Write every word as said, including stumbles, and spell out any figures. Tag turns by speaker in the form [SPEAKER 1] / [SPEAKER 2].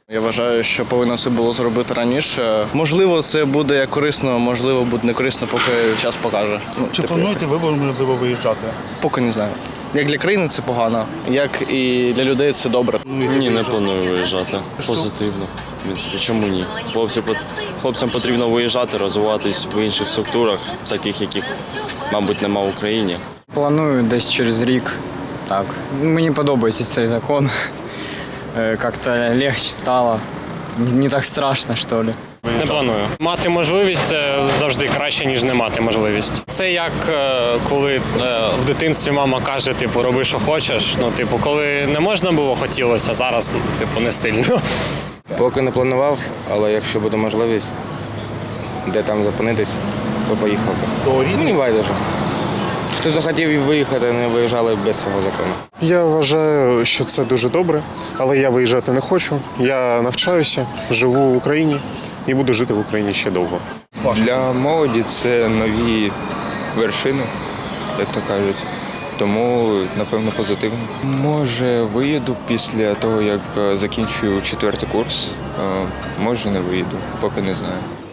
[SPEAKER 1] Я вважаю, що повинно все було зробити раніше. Можливо, це буде корисно, можливо, буде не корисно, поки час покаже. Ну,
[SPEAKER 2] Чи
[SPEAKER 1] типу,
[SPEAKER 2] плануєте
[SPEAKER 1] якось.
[SPEAKER 2] ви можливо виїжджати?
[SPEAKER 1] Поки не знаю. Як для країни це погано, як і для людей це добре.
[SPEAKER 3] Ні, не планую виїжджати. Позитивно. В принципі, чому ні? Хлопці, хлопцям потрібно виїжджати, розвиватись в інших структурах, таких, яких, мабуть, нема в Україні.
[SPEAKER 4] Планую десь через рік. Так. Мені подобається цей закон. Як-то легше стало. Не так страшно, що ли.
[SPEAKER 5] Не планую. Мати можливість – це завжди краще, ніж не мати можливість. Це як коли в дитинстві мама каже, типу, роби, що хочеш. Ну, типу, коли не можна було, хотілося, зараз, типу, не сильно.
[SPEAKER 6] Поки не планував, але якщо буде можливість, де там зупинитись, то поїхав би. Мені байдуже. Хто захотів виїхати, не виїжджали без цього закону.
[SPEAKER 7] Я вважаю, що це дуже добре, але я виїжджати не хочу. Я навчаюся, живу в Україні і буду жити в Україні ще довго.
[SPEAKER 8] Для молоді це нові вершини, як то кажуть. Тому, напевно, позитивно. Може, виїду після того, як закінчую четвертий курс. Може, не виїду, поки не знаю.